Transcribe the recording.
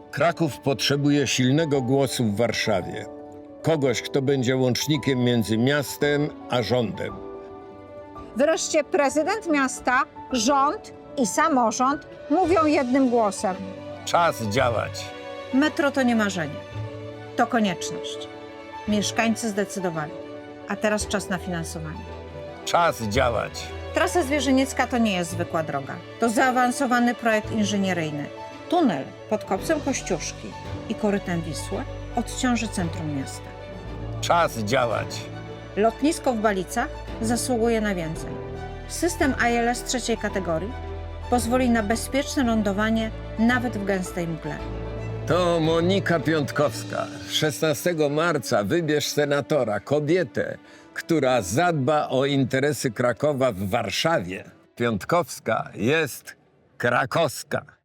Kraków potrzebuje silnego głosu w Warszawie. Kogoś, kto będzie łącznikiem między miastem a rządem. Wreszcie prezydent miasta, rząd i samorząd mówią jednym głosem. Czas działać. Metro to nie marzenie, to konieczność. Mieszkańcy zdecydowali, a teraz czas na finansowanie. Czas działać. Trasa Zwierzyniecka to nie jest zwykła droga. To zaawansowany projekt inżynieryjny. Tunel pod kopcem Kościuszki i korytem Wisły odciąży centrum miasta. Czas działać. Lotnisko w Balicach zasługuje na więcej. System ILS trzeciej kategorii pozwoli na bezpieczne lądowanie nawet w gęstej mgle. To Monika Piątkowska. 16 marca wybierz senatora, kobietę, która zadba o interesy Krakowa w Warszawie. Piątkowska jest krakowska.